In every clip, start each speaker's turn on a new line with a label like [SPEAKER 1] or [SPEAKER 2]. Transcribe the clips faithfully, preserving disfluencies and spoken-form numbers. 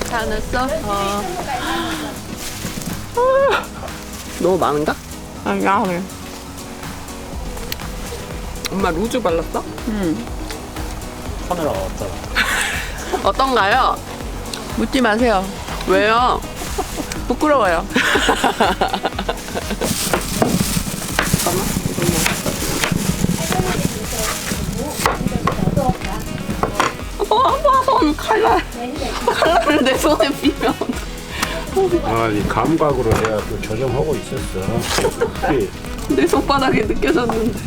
[SPEAKER 1] 다 넣었어? 어. 아, 너무 많은가?
[SPEAKER 2] 아, 야해.
[SPEAKER 1] 엄마 루즈 발랐어?
[SPEAKER 2] 응.
[SPEAKER 3] 카메라가 왔잖아.
[SPEAKER 1] 어떤가요?
[SPEAKER 2] 묻지 마세요.
[SPEAKER 1] 왜요?
[SPEAKER 2] 부끄러워요.
[SPEAKER 1] 어, 아빠 손 칼날. 칼날을 내 손에 비면.
[SPEAKER 3] 아, 이 감각으로 내가 또 조정하고 있었어. 혹시
[SPEAKER 1] 내 손바닥에 느껴졌는데.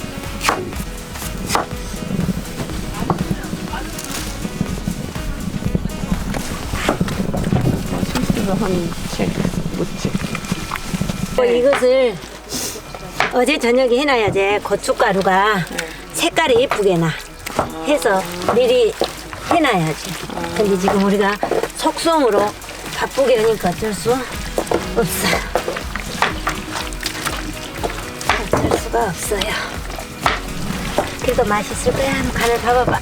[SPEAKER 2] 실수로 한 채, 묻지.
[SPEAKER 4] 어, 이것을 어제 저녁에 해놔야지 고춧가루가 색깔이 예쁘게 나 해서 미리 해놔야지. 근데 지금 우리가 속성으로 바쁘게 하니까 어쩔 수 없어. 어쩔 수가 없어요. 그래도 맛있을 거야. 한번 간을 봐봐봐.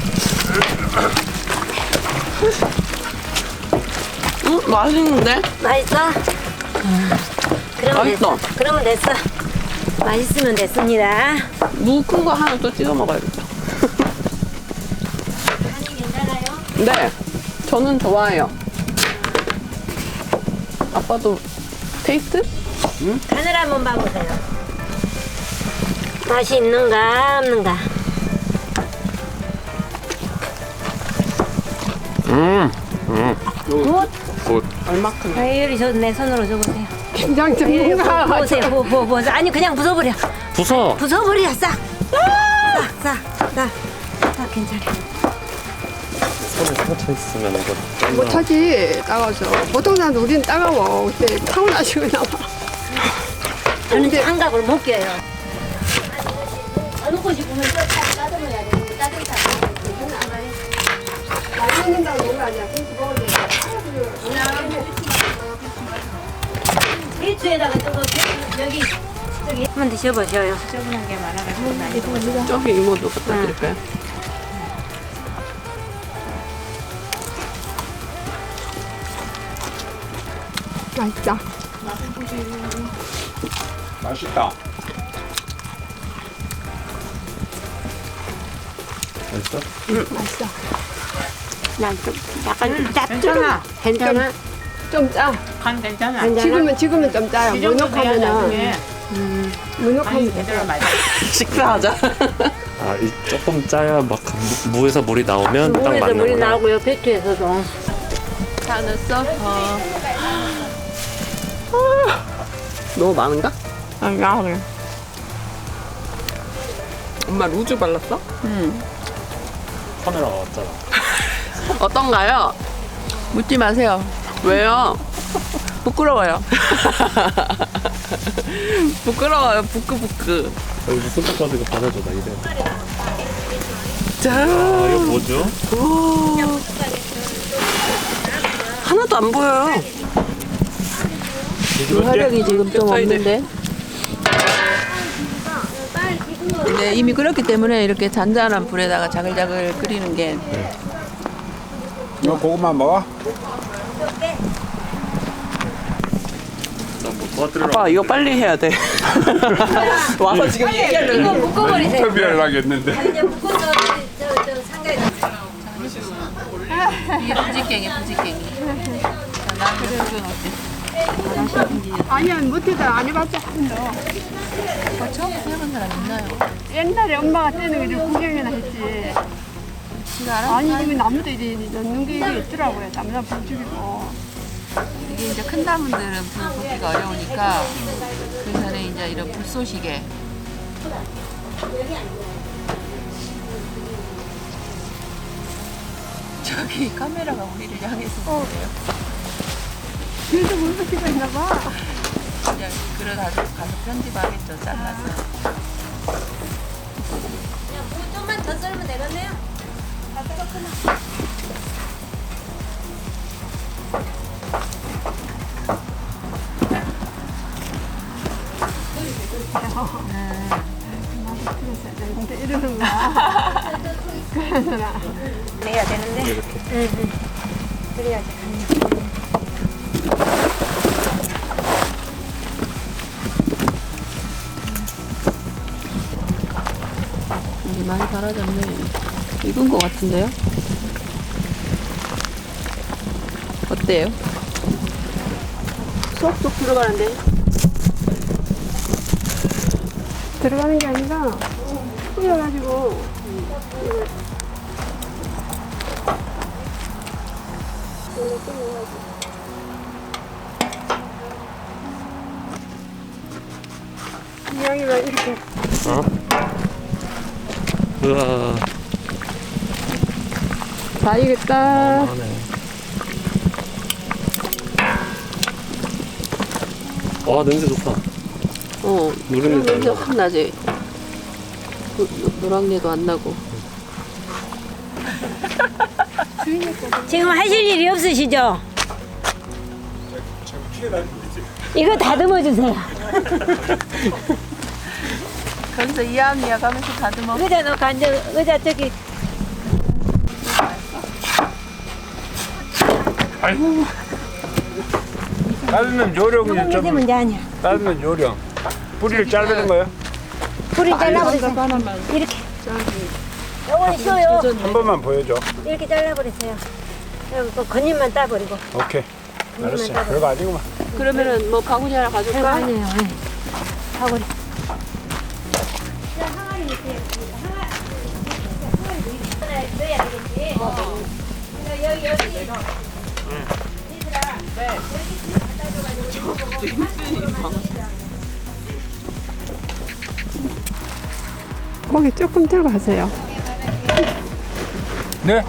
[SPEAKER 1] 응? 맛있는데?
[SPEAKER 4] 맛있어? 음, 그러면
[SPEAKER 1] 맛있어.
[SPEAKER 4] 됐어. 그러면 됐어. 맛있으면 됐습니다.
[SPEAKER 1] 무 큰 거 하나 또 찍어 먹어야겠다.
[SPEAKER 4] 간이 괜찮아요?
[SPEAKER 1] 네, 저는 좋아해요. 아빠도 테이스트?
[SPEAKER 4] 간을 한번 봐보세요. 맛이 있는가 없는가.
[SPEAKER 3] 음, 음,
[SPEAKER 4] 굿.
[SPEAKER 3] 곧
[SPEAKER 1] 얼마큼?
[SPEAKER 4] 아유리 저내 손으로 줘보세요.
[SPEAKER 1] 굉장히
[SPEAKER 4] 아유리
[SPEAKER 1] 전문가.
[SPEAKER 4] 보세요. 보, 보, 보. 아니 그냥 부숴버려.
[SPEAKER 3] 부서.
[SPEAKER 4] 부숴버려 싹. 싹, 싹, 싹. 싹 괜찮아.
[SPEAKER 3] 손에 상처 있으면 이거
[SPEAKER 5] 못하지 따가워서 보통 사람 우리는 따가워 근데 타고나시고 나와
[SPEAKER 4] 저는 장갑을 못 껴요. 어느 곳이 보면 또 따듬어야 돼. 따듬다.
[SPEAKER 5] 먹는다고 그런 거 아니야 김치 먹을 때
[SPEAKER 4] 배추에다가 저거 여기 저기 한번 드셔보셔요. 저분한 게 많아가지고.
[SPEAKER 1] 저기 이모도 갖다 드릴까요?
[SPEAKER 5] 맛있다
[SPEAKER 3] 맛있다. 맛있어?
[SPEAKER 5] 응 맛있어
[SPEAKER 4] 난좀 약간 짭조름. 괜찮아.
[SPEAKER 5] 좀짜
[SPEAKER 2] 간 괜찮아.
[SPEAKER 5] 지금은 지금은 좀 짜요
[SPEAKER 2] 이 정도 돼야
[SPEAKER 5] 무녹하면은
[SPEAKER 2] 나중에
[SPEAKER 5] 무녹하면 돼
[SPEAKER 2] 제대로 맞아.
[SPEAKER 1] 식사하자.
[SPEAKER 3] 아, 이 조금 짜야 막 무, 무에서 물이 나오면 딱
[SPEAKER 4] 물에서 물이
[SPEAKER 3] 맞는구나.
[SPEAKER 4] 나오고요. 배추에서도.
[SPEAKER 1] 다 넣었어? 어. 아, 너무 많은가?
[SPEAKER 2] 아, 야해.
[SPEAKER 1] 엄마 루즈 발랐어?
[SPEAKER 2] 응.
[SPEAKER 3] 카메라가 왔잖아.
[SPEAKER 1] 어떤가요?
[SPEAKER 2] 묻지 마세요.
[SPEAKER 1] 왜요?
[SPEAKER 2] 부끄러워요.
[SPEAKER 1] 부끄러워요. 부끄부끄.
[SPEAKER 3] 여기 손톱 가지고 이거 받아줘, 나 이래.
[SPEAKER 1] 자,
[SPEAKER 3] 아, 이거 뭐죠?
[SPEAKER 1] 오. 하나도 안 보여요.
[SPEAKER 2] 화력이 지금 좀 없는데. 네, 이미 끓였기 때문에 이렇게 잔잔한 불에다가 자글자글 끓이는 게
[SPEAKER 3] 너 고구마 먹어?
[SPEAKER 1] 아빠 이거 빨리 해야 돼. 와서 지금 얘기하려고.
[SPEAKER 4] 이거 묶어버리세요.
[SPEAKER 3] 인터뷰하려고 했는데.
[SPEAKER 4] 이제 묶어서 저, 저 상가에
[SPEAKER 2] 이게 부지깽이 부지깽이. 나는 그건 어때?
[SPEAKER 5] 아니야 못해서 안 해봤어 한번도
[SPEAKER 2] 어, 처음에 해본 사람 있나요?
[SPEAKER 5] 옛날에 엄마가 떼는 거 좀 구경이나 했지
[SPEAKER 2] 제가 알아?
[SPEAKER 5] 아니 이게 나무도 이제 넣는 게 이게 있더라고요 나무나 불죽이고
[SPEAKER 2] 이게 이제 큰 나무들은 불 붙기가 어려우니까 그 전에 이제 이런 불쏘시개 저기 카메라가 우리를 향해서 보네요.
[SPEAKER 5] 그래도 물붓기가 있나 봐
[SPEAKER 2] 그냥 그러다 가서 편집하겠죠. 잘라서.
[SPEAKER 4] 좀만 더 썰면 되겠네요. 다 썰었구나.
[SPEAKER 5] 근데 이러는 거야 그래서
[SPEAKER 4] 내야 되는데.
[SPEAKER 3] 이렇게.
[SPEAKER 4] 응, 응. 그래야지.
[SPEAKER 1] 이게 많이 달아졌네. 익은 것 같은데요? 어때요? 쏙쏙 들어가는데?
[SPEAKER 5] 들어가는 게 아니라 뿌려가지고 이왕이면 이렇게
[SPEAKER 6] 우와.
[SPEAKER 5] 다 익었다.
[SPEAKER 6] 와, 냄새 좋다.
[SPEAKER 1] 어,
[SPEAKER 6] 누룽지
[SPEAKER 1] 냄새 확 나지? 노, 노- 노랑내도 안 나고.
[SPEAKER 4] 지금 하실 일이 없으시죠? 이거 다듬어 주세요.
[SPEAKER 2] 거기서 이야기야 가면서 다듬어.
[SPEAKER 4] 의자 놓고 앉아. 의자 저기.
[SPEAKER 3] 아이고. 자르는 요령이
[SPEAKER 4] 조금
[SPEAKER 3] 좀
[SPEAKER 4] 있으면 이제 아니야.
[SPEAKER 3] 자르는 요령. 뿌리를 자르는 거예요?
[SPEAKER 4] 불을 잘라버리세요. 이렇게. 요건 쉬워요.
[SPEAKER 3] 한 번만 보여줘.
[SPEAKER 4] 이렇게 잘라버리세요. 여기 그 겉잎만 따버리고.
[SPEAKER 3] 오케이. 알았어. 별거 아니구만.
[SPEAKER 1] 그러면은 뭐 바구니 하나
[SPEAKER 4] 별거
[SPEAKER 1] 가져올까?
[SPEAKER 4] 아니에요. 네. 사거리.
[SPEAKER 5] 고기 조금 들고 가세요.
[SPEAKER 3] 네?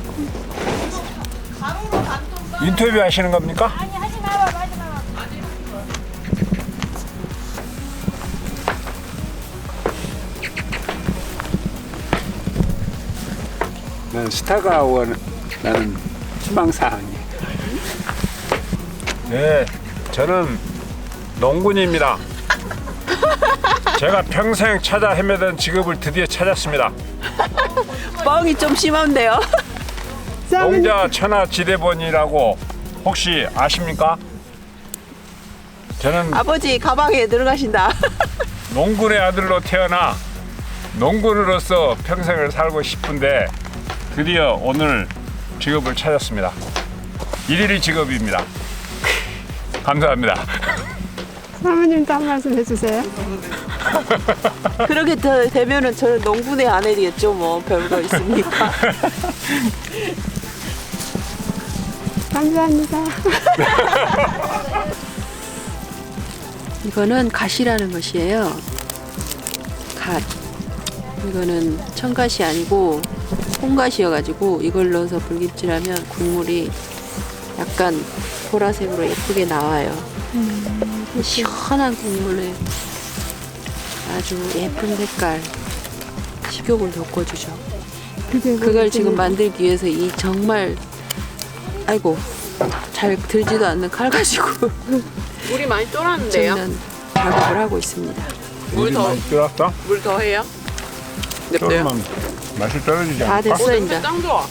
[SPEAKER 3] 인터뷰 하시는 겁니까?
[SPEAKER 4] 아니 하지 마봐 하지 마.
[SPEAKER 3] 난 스타가 원 나는 희망사항이. 네, 저는 농군입니다. 제가 평생 찾아 헤매던 직업을 드디어 찾았습니다.
[SPEAKER 1] 뻥이 좀 심한데요?
[SPEAKER 3] 농자 천하지대본이라고 혹시 아십니까? 저는
[SPEAKER 1] 아버지 가방에 들어가신다.
[SPEAKER 3] 농군의 아들로 태어나 농군으로서 평생을 살고 싶은데 드디어 오늘 직업을 찾았습니다. 일일이 직업입니다. 감사합니다.
[SPEAKER 5] 사모님도 한 말씀 해주세요.
[SPEAKER 1] 그렇게 되, 되면은 저는 농군의 아내 되겠죠. 뭐 별거 있습니까?
[SPEAKER 5] 감사합니다.
[SPEAKER 1] 이거는 갓이라는 것이에요. 갓. 이거는 청갓이 아니고 홍갓이어가지고 이걸 넣어서 불김치라면 국물이 약간 보라색으로 예쁘게 나와요. 시원한 국물에 아주 예쁜 색깔 식욕을 돋궈주죠. 그걸 지금 만들기 위해서 이 정말 아이고 잘 들지도 않는 칼 가지고
[SPEAKER 2] 물이 많이 쫄았는데요.
[SPEAKER 1] 저는 작업을 하고 있습니다.
[SPEAKER 3] 물이
[SPEAKER 2] 더-
[SPEAKER 3] 많이 들었어?
[SPEAKER 2] 물 더 해요?
[SPEAKER 3] 조금만 맛이 떨어지지
[SPEAKER 1] 다
[SPEAKER 3] 않을까?
[SPEAKER 1] 됐어 이제.
[SPEAKER 2] 짱 좋아.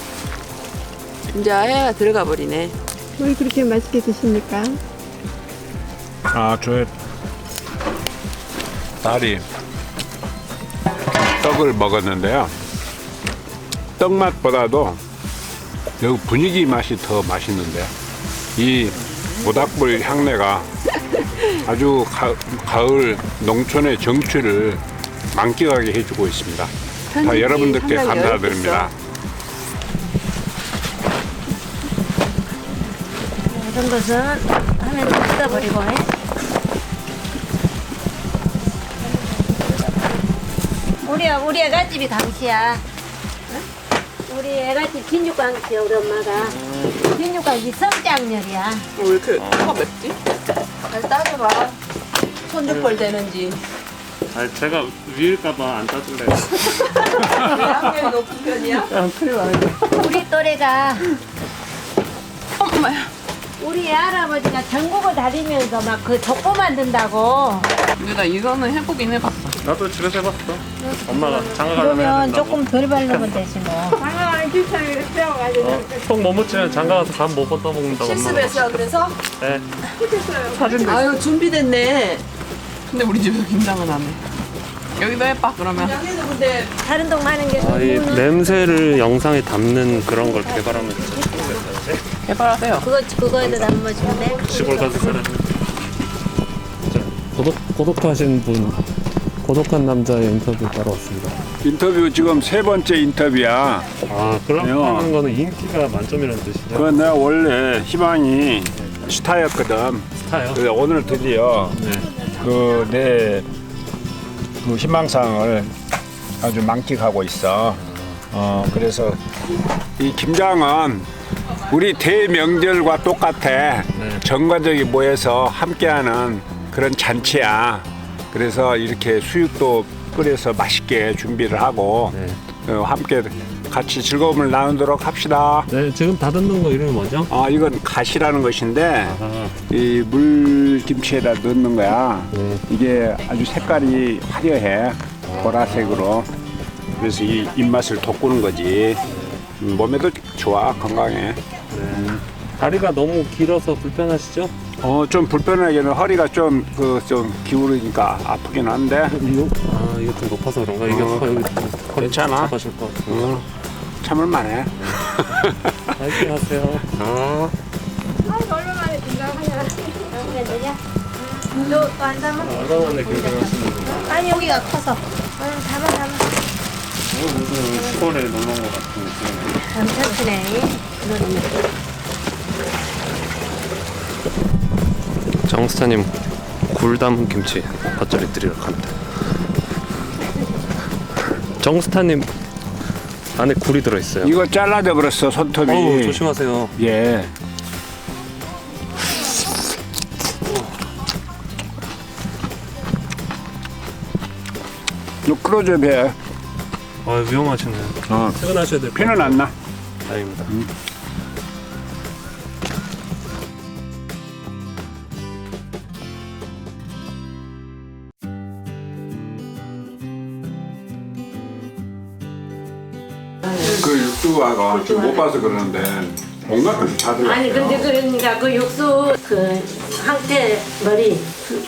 [SPEAKER 1] 이제 해가 들어가 버리네.
[SPEAKER 5] 왜 그렇게 맛있게 드십니까?
[SPEAKER 3] 아, 저의 딸이 떡을 먹었는데요. 떡 맛보다도 여기 분위기 맛이 더 맛있는데요. 이 모닥불 향내가 아주 가, 가을 농촌의 정취를 만끽하게 해주고 있습니다. 다
[SPEAKER 1] 편집이
[SPEAKER 3] 여러분들께
[SPEAKER 1] 상당히
[SPEAKER 3] 감사드립니다.
[SPEAKER 4] 이런 것은 하면 뜯어버리고. 해. 우리 우리 애가집이 강시야. 우리 애가집 진육강시야 우리 엄마가. 진육강시 성장렬이야.
[SPEAKER 1] 왜 이렇게 화가 맵지? 잘 따져봐. 손주벌 되는지.
[SPEAKER 6] 아니, 제가 위일까봐 안 따줄래요.
[SPEAKER 1] 학년이 높은 편이야?
[SPEAKER 4] 우리 또래가
[SPEAKER 1] 엄마야.
[SPEAKER 4] 우리 할아버지가 전국을 다니면서 막 그 족보 만든다고.
[SPEAKER 2] 근데 나 이거는 해보긴 해봤어.
[SPEAKER 6] 나도 집에서 해봤어. 엄마가 장가 가려면 해야
[SPEAKER 4] 그러면
[SPEAKER 6] 된다고.
[SPEAKER 4] 조금 덜 바르면 되지 뭐.
[SPEAKER 5] 김치를 빼어가지고
[SPEAKER 6] 어, 속 못 묻히면 장가 가서 간 못 뻗어 먹는다고.
[SPEAKER 1] 실습했어 그래서?
[SPEAKER 6] 네.
[SPEAKER 5] 사진도
[SPEAKER 1] 아유 준비됐네. 근데 우리 집에서 김장은 안 해. 여기도 해봐 그러면. 여기도 근데
[SPEAKER 4] 다른 동 많은 게
[SPEAKER 6] 아, 이 냄새를 영상에 담는 그런 걸 개발하면 진짜 좋겠는데.
[SPEAKER 1] 개발하세요.
[SPEAKER 4] 그거 그거에도 담아주면 돼.
[SPEAKER 6] 시골 가서 살아. 고독 고독하신 분, 고독한 남자의 인터뷰 따러 왔습니다.
[SPEAKER 3] 인터뷰 지금 세 번째 인터뷰야.
[SPEAKER 6] 아, 그럼
[SPEAKER 3] 네.
[SPEAKER 6] 하는 거는 인기가 만점이라는 뜻이죠?
[SPEAKER 3] 그 내가 원래 희망이 스타였거든.
[SPEAKER 6] 스타요?
[SPEAKER 3] 그래서 오늘 드디어
[SPEAKER 6] 네.
[SPEAKER 3] 그 내 그 희망상을 아주 만끽하고 있어. 어 그래서 이 김장은 우리 대명절과 똑같아.
[SPEAKER 6] 네.
[SPEAKER 3] 전 가족이 모여서 함께하는 그런 잔치야. 그래서 이렇게 수육도 끓여서 맛있게 준비를 하고
[SPEAKER 6] 네.
[SPEAKER 3] 어, 함께 같이 즐거움을 나누도록 합시다.
[SPEAKER 6] 네, 지금 다듬는 거 이름이 뭐죠?
[SPEAKER 3] 아 이건 갓이라는 것인데
[SPEAKER 6] 아,
[SPEAKER 3] 이 물김치에다 넣는 거야.
[SPEAKER 6] 네.
[SPEAKER 3] 이게 아주 색깔이 화려해. 보라색으로. 그래서 이 입맛을 돋구는 거지. 음, 몸에도 좋아. 건강해.
[SPEAKER 6] 네. 다리가 너무 길어서 불편하시죠?
[SPEAKER 3] 어 좀 불편하게는 허리가 좀 그 좀 기울으니까 아프긴 한데
[SPEAKER 6] 이거? 아, 이거 좀 높아서 그런가? 이게
[SPEAKER 3] 어,
[SPEAKER 6] 여기
[SPEAKER 3] 괜찮아.
[SPEAKER 6] 잡아줄 것 같은데.
[SPEAKER 3] 어, 참을만해.
[SPEAKER 6] 파이팅 하세요.
[SPEAKER 3] 어.
[SPEAKER 5] 아이고 얼마만에 김장하냐.
[SPEAKER 4] 너또안 담아?
[SPEAKER 6] 얼마만에 김장하시는 분이에요?
[SPEAKER 4] 아니 여기가 커서. 응 담아 담아.
[SPEAKER 6] 무슨 시골에 놀러 온 것 같은 느낌.
[SPEAKER 4] 괜찮네. 그러네.
[SPEAKER 6] 정스타님 굴 담은 김치 겉절이 드리러 갑니다. 정스타님 안에 굴이 들어있어요.
[SPEAKER 3] 이거 잘라져 버렸어 손톱이.
[SPEAKER 6] 어우, 조심하세요.
[SPEAKER 3] 예. 너 끌어줘 배.
[SPEAKER 6] 아, 위험하시네요.
[SPEAKER 3] 어.
[SPEAKER 6] 퇴근하셔야 될 것
[SPEAKER 3] 피는
[SPEAKER 6] 같아요.
[SPEAKER 3] 안 나.
[SPEAKER 6] 다행입니다.
[SPEAKER 3] 그 육수가 지금 못 봐서 그러는데 온갖 것이 다 들어.
[SPEAKER 4] 아니 근데 그러니까 그 육수 그 황태 머리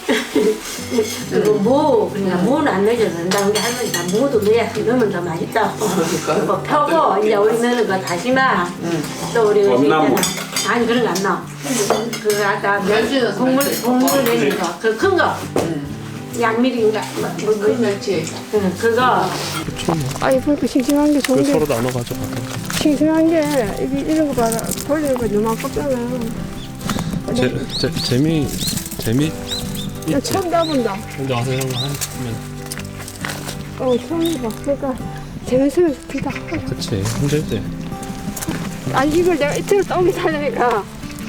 [SPEAKER 4] 그거 무 그러니까 무는 안 넣어줘도 된다. 근데 할머니가 무도 넣어야 넣으면 더 맛있다. 그거 펴고 이제 우리 넣는 거 다시마 또 우리
[SPEAKER 3] 엄나무.
[SPEAKER 4] 아니 그런 거 안 넣어. 그 아까 멸치 국물 국물 내는 거 그 큰 거. 양미리인가 뭐, 뭐,
[SPEAKER 1] 멸치.
[SPEAKER 4] 응, 그거
[SPEAKER 5] 아이 그렇게 싱싱한 게 좋은
[SPEAKER 6] 그
[SPEAKER 5] 게
[SPEAKER 6] 서로 나눠 가져가.
[SPEAKER 5] 싱싱한 게 이게 이런 거 봐라. 돌리는 거 너무 아깝잖아.
[SPEAKER 6] 재, 재, 재미 재미
[SPEAKER 5] 나
[SPEAKER 6] 있지.
[SPEAKER 5] 처음 가본다.
[SPEAKER 6] 근데 와서 이런 거 하면
[SPEAKER 5] 어 처음 해봐. 그러니까 재밌으면 좋다.
[SPEAKER 6] 그치 힘들지.
[SPEAKER 5] 아니 이걸 내가 이틀을 떠오게 살려니까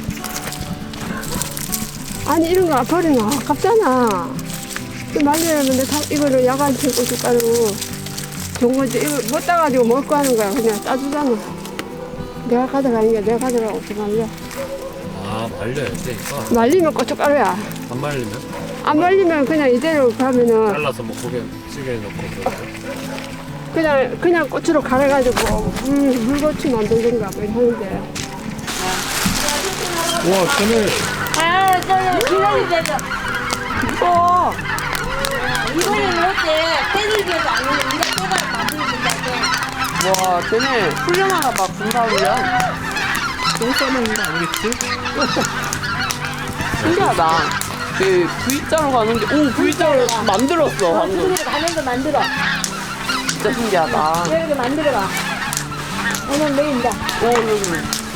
[SPEAKER 5] 아니 이런 거 버리면 아깝잖아. 말려면 내가 이거를 야간치 고춧가루 좋은 거지. 이거 못 따가지고 먹을 거 하는 거야. 그냥 따주잖아. 내가 가져가는 게 내가 가져가고 싶으면
[SPEAKER 6] 아, 말려야지 이거.
[SPEAKER 5] 말리면 고춧가루야.
[SPEAKER 6] 안 말리면
[SPEAKER 5] 안 말리면 그냥 이대로 가면은
[SPEAKER 6] 잘라서 뭐 고개 찌개에 넣고 그러죠.
[SPEAKER 5] 그냥 그냥 고추로 갈아가지고 물 물고추 만들든가 뭐 하는데.
[SPEAKER 6] 와, 쟤네
[SPEAKER 4] 아 저는 기다리자.
[SPEAKER 1] 어.
[SPEAKER 4] 이거는 어때? 때리기도 안 해. 네가 또다시 만들어준다고.
[SPEAKER 1] 와 쟤네 훈련하나 봐. 군사 훈련.
[SPEAKER 6] 똥 싸먹는 거 아니겠지?
[SPEAKER 1] 신기하다. 그 V자로 가는데 오 V자로 만들었어 방금.
[SPEAKER 4] 그렇게 가는 거 만들어.
[SPEAKER 1] 진짜 신기하다.
[SPEAKER 4] 이렇게 만들어봐. 오늘 내일이다.
[SPEAKER 1] 오 여기.